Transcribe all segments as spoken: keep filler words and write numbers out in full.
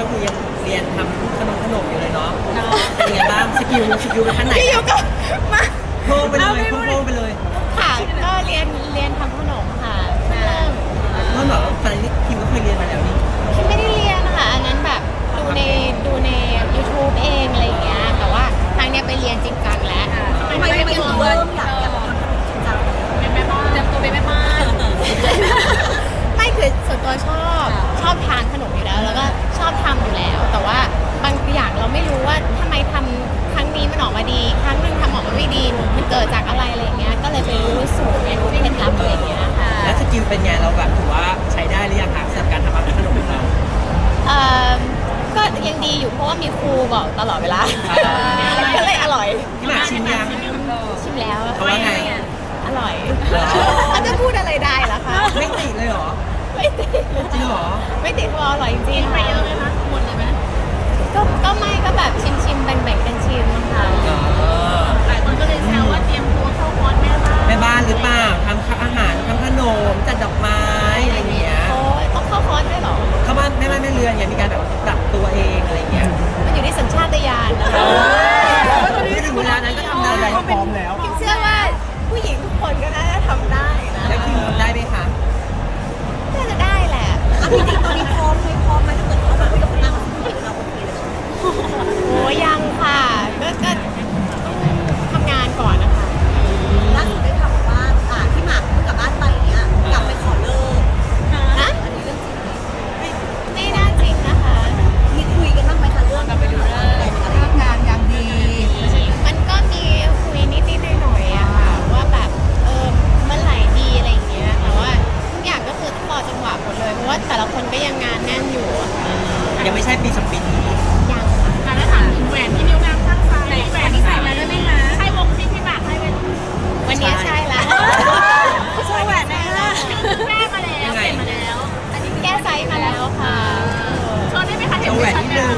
ก็คือยังเรียนทำขนมขนมอยู่เลยเนาะเป็นยังไงบ้างสกิลสกิลเป็นขั้นไหนพี่ยูก็มาโพ่งไปเลยโพ่งไปเลยค่ะก็เรียนเรียนทำขนมค่ะเริ่มเพราะเหรอตอนนี้คิมก็เคยเรียนมาแล้วนี่คิดไม่ได้เรียนนะคะอันนั้นแบบดูในดูใน YouTube เองอะไรอย่างเงี้ยแต่ว่าทางเนี้ยไปเรียนจริงจังแล้วทำไมไม่ถึงเริ่มอยากอยากทำขนมจริงจังเป็นแม่บ้านเตรียมตัวเป็นแม่บ้านไม่คือส่วนตัวชอบชอบทานขนมอยู่แล้ว แล้วก็ชอบทำอยู่แล้ว แต่ว่าบางอย่างเราไม่รู้ว่าทำไมทำครั้งนี้มันออกมาดี ครั้งหนึ่งทำออกมาไม่ดีมันเกิดจากอะไรอะไรอย่างเงี้ยก็เลยไปรู้สูตรไปรู้เคล็ดลับอะไรอย่างเงี้ยค่ะแล้วสกิลเป็นไงเราแบบถือว่าใช้ได้หรือยังคะสำหรับการทำอาหารขนมของเราเอ่อก็ยังดีอยู่เพราะว่ามีครูบอกตลอดเวลาก็เลยอร่อยพี่หมากชิมยังชิมแล้วเขาว่าไงอร่อยเหรอเขาจะพูดอะไรได้ล่ะคะไม่ติดเลยเหรอไม่ติดจริงเหรอไม่ติดเพราะอร่อยจริงๆไปค่ะเยอะไหมคะหมดเลยไหมก็ก็ไม่ก็แบบชิมชิมๆแบ่งๆกันชิมค่ะหลายคนก็เลยแซวว่าเตรียมตัวเข้าคอร์สแม่บ้านแม่บ้านหรือเปล่าทำอาหารทำขนมจัดดอกไม้อะไรอย่างเงี้ยโอ้ยต้องเข้าคอร์สด้วยเหรอเข้าบ้านแม่บ้านแม่เรือนเนี่ยมีการแบบปรับตัวเองอะไรอย่างเงี้ยมันอยู่ที่สัญชาตญาณนะคะไม่ถึงเวลานั้นก็ทำได้พร้อมแล้วคิดเชื่อว่าผู้หญิงทุกคนก็น่าจะทำได้นะแล้วคิมทำได้ไหมคะน่าจะได้แหละจริงๆตอนนี้พร้อมไหมพร้อมไหมถ้าเกิดเขาแบบยกนั่งเราโอเคเลยโอ้ยังค่ะก็ก็ต้องทำงานก่อนนะคะล่าสุดได้ข่าวว่าอ่าที่หมากเพิ่งกลับบ้านไปเนี้ยกลับไปขอเลิกนะอันนี้เรื่องจริงไหมไม่น่าจริงนะคะมีคุยกันบ้างไหมคะเรื่องกลับไปดูเลิกอะไรงานอย่างดีมันก็มีคุยนิดๆหน่อยๆอะค่ะว่าแบบเออเมื่อไหร่ดีอะไรอย่างเงี้ยแต่ว่าทุกอย่างก็คือต้องรอจังหวะหมดเลยเพราะว่าแต่ละคนก็ยังงานแน่นอยู่อะค่ะยังไม่ใช่ปีสองปีนี้ยังค่ะการได้ถามถึงแหวนที่นิ้วนางข้างซ้ายแหวนที่ใส่มาด้วยไหมคะใช่วงที่พี่หมากให้เป็นวันนี้ใช่ละใช่แหวนไหนล่ะแก้มาแล้วเปลี่ยนมาแล้วอันนี้แก้ไซส์มาแล้วค่ะโชว์ได้ไหมคะโชว์แหวนนิดนึง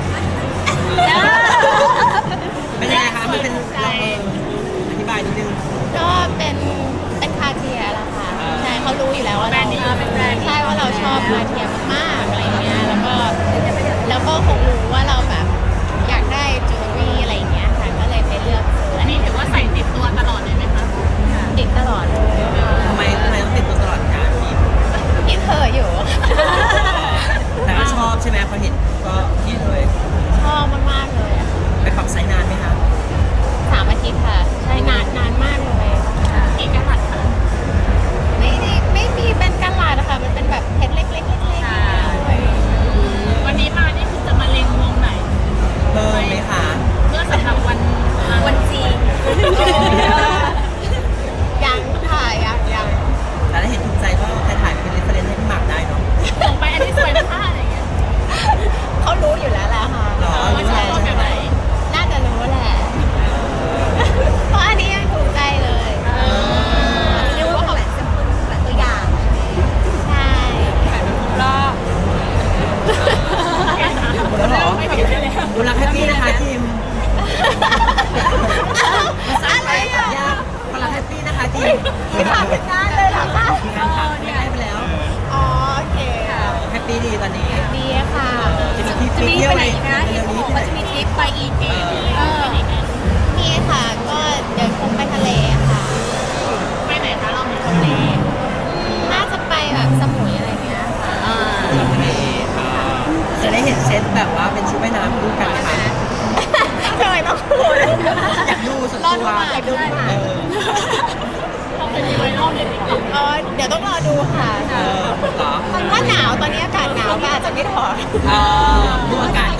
เป็นยังไงคะมันเป็นเราเอออธิบายนิดนึงก็เป็นเป็นคาเทียแหละค่ะอ่าใช่เขารู้อยู่แล้วว่าเราใช่ว่าเราชอบคาเทียมากๆอะไรอย่างเงี้ยแล้วก็แล้วก็คงรู้ว่าเราแบบอยากได้จิวเวลรี่อะไรอย่างเงี้ยค่ะก็เลยไปเลือกซื้ออัอันนนี้นี้ถือว่าใส่ติดตัวตลอดเลยไหมคะติดตลอดเลยทำไมทำไมต้องติดตัวตลอดการพี่ยิ่งเธออยู่แต่ก็ชอบใช่ไหมพอเห็นก็คิดเลยชอบมากๆเลยอะไปปรับไซส์นานไหมคะสามอาทิตย์ค่ะใช่นานนานมากเลยกี่กะรัตคะไม่ได้ไม่มีเป็นกันลาดนะคะมันเป็นแบบเพชรเล็กๆเล็กๆเลยวันนี้มานี่คือจะมาเล็งวงไหนเพิ่มไหมคะเพื่อสำหรับวันวันจีนยังค่ะยังยังแต่ถ้าเห็นถูกใจก็ถ่ายๆเป็นเรฟเฟรนซ์ให้พี่หมากได้เนาะส่งไปอันนี้สวยนะคะอะไรอย่างเงี้ยเขารู้อยู่แล้วแหละค่ะหรอว่าชอบแบบไหนน่าจะรู้แหละ เพราะอันนี้ยังถูกใจเลยเรียกว่าแหวนแซมเปิลแหวนตัวอย่างใช่รอบหมดแล้วเหรอดูรักแฮปปี้นะคะทีมอะไรอ่ะยากคนรักแฮปปี้นะคะทีมไม่ผ่านเป็นงานเลยเหรอคะมีการถามไม่ได้ไปแล้วอ๋อโอเคค่ะแฮปปี้ดีตอนนี้ดีค่ะจะมีทริปเที่ยวอะไรนะเร็วนี้ที่ไหนจะมีทริปไปอีกเออนี่ค่ะ ก็เดี๋ยวคงไปทะเลค่ะไปไหนคะเรามีทะเลน่าจะไปแบบสมุยอะไรเงี้ยค่ะจะได้เห็นเซตแบบว่าเป็นชุดว่ายน้ำคู่กันไหมคะทำไมต้องพูดอยากดูส่วนรอตัดูวใหม่ดูใหม่เออเขาเป็นไวรัลในติ๊กต็อกอ๋อเดี๋ยวต้องรอดูค่ะเออเหรอถ้าหนาวตอนนี้อากาศหนาวก็อาจจะไม่ถอดเออดูอากาศ